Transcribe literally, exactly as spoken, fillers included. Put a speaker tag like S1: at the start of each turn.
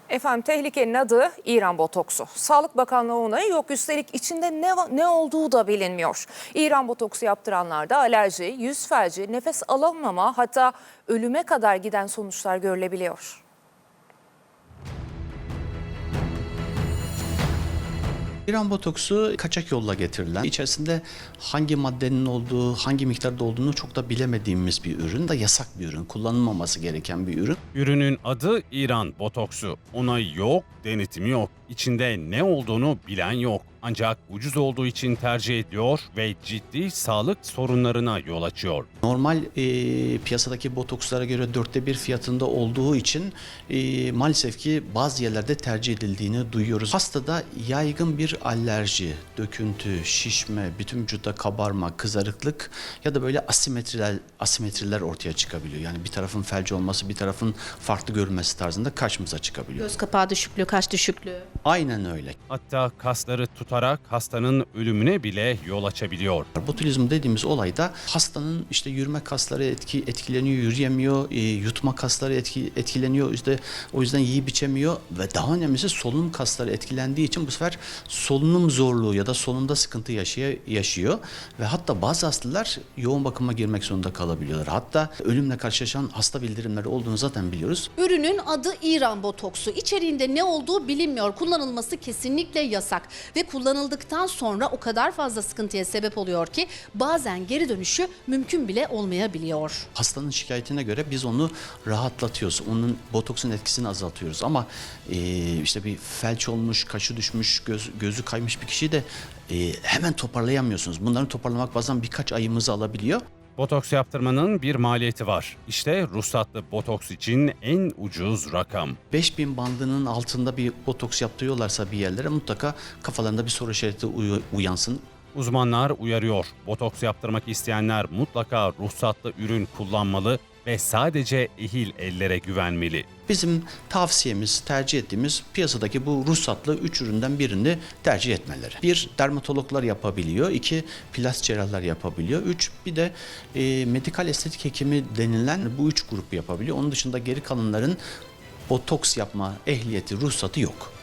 S1: Efendim tehlikenin adı İran botoksu. Sağlık Bakanlığı onayı yok, üstelik içinde ne, ne olduğu da bilinmiyor. İran botoksu yaptıranlarda alerji, yüz felci, nefes alamama, hatta ölüme kadar giden sonuçlar görülebiliyor.
S2: İran botoksu kaçak yolla getirilen, içerisinde hangi maddenin olduğu, hangi miktarda olduğunu çok da bilemediğimiz bir ürün, da yasak bir ürün, kullanılmaması gereken bir ürün.
S3: Ürünün adı İran botoksu. Onayı yok, denetimi yok. İçinde ne olduğunu bilen yok. Ancak ucuz olduğu için tercih ediyor ve ciddi sağlık sorunlarına yol açıyor.
S2: Normal e, piyasadaki botokslara göre dörtte bir fiyatında olduğu için e, maalesef ki bazı yerlerde tercih edildiğini duyuyoruz. Hastada yaygın bir alerji, döküntü, şişme, bütün vücutta kabarma, kızarıklık ya da böyle asimetriler, asimetriler ortaya çıkabiliyor. Yani bir tarafın felci olması, bir tarafın farklı görünmesi tarzında karşımıza çıkabiliyor.
S4: Göz kapağı düşüklüğü, kaş düşüklüğü.
S2: Aynen öyle.
S3: Hatta kasları tutarak hastanın ölümüne bile yol açabiliyor.
S2: Botulizm dediğimiz olayda hastanın işte yürüme kasları etki, etkileniyor, yürüyemiyor, e, yutma kasları etki, etkileniyor. İşte o yüzden yiyip içemiyor ve daha önemlisi solunum kasları etkilendiği için bu sefer solunum zorluğu ya da solunumda sıkıntı yaşıyor, yaşıyor ve hatta bazı hastalar yoğun bakıma girmek zorunda kalabiliyorlar. Hatta ölümle karşılaşan hasta bildirimleri olduğunu zaten biliyoruz.
S4: Ürünün adı İran botoksu. İçeriğinde ne olduğu bilinmiyor. Kullanılması kesinlikle yasak ve kullanıldıktan sonra o kadar fazla sıkıntıya sebep oluyor ki bazen geri dönüşü mümkün bile olmayabiliyor.
S2: Hastanın şikayetine göre biz onu rahatlatıyoruz. Onun botoksun etkisini azaltıyoruz. Ama e, işte bir felç olmuş, kaşı düşmüş, göz, gözü kaymış bir kişiyi de e, hemen toparlayamıyorsunuz. Bunları toparlamak bazen birkaç ayımızı alabiliyor.
S3: Botoks yaptırmanın bir maliyeti var. İşte ruhsatlı botoks için en ucuz rakam.
S2: beş bin bandının altında bir botoks yaptırıyorlarsa bir yerlere mutlaka kafalarında bir soru işareti uy- uyansın.
S3: Uzmanlar uyarıyor. Botoks yaptırmak isteyenler mutlaka ruhsatlı ürün kullanmalı ve sadece ehil ellere güvenmeli.
S2: Bizim tavsiyemiz, tercih ettiğimiz piyasadaki bu ruhsatlı üç üründen birini tercih etmeleri. Bir, dermatologlar yapabiliyor. İki, plastik cerrahlar yapabiliyor. Üç, bir de e, medikal estetik hekimi denilen bu üç grup yapabiliyor. Onun dışında geri kalanların botoks yapma ehliyeti, ruhsatı yok.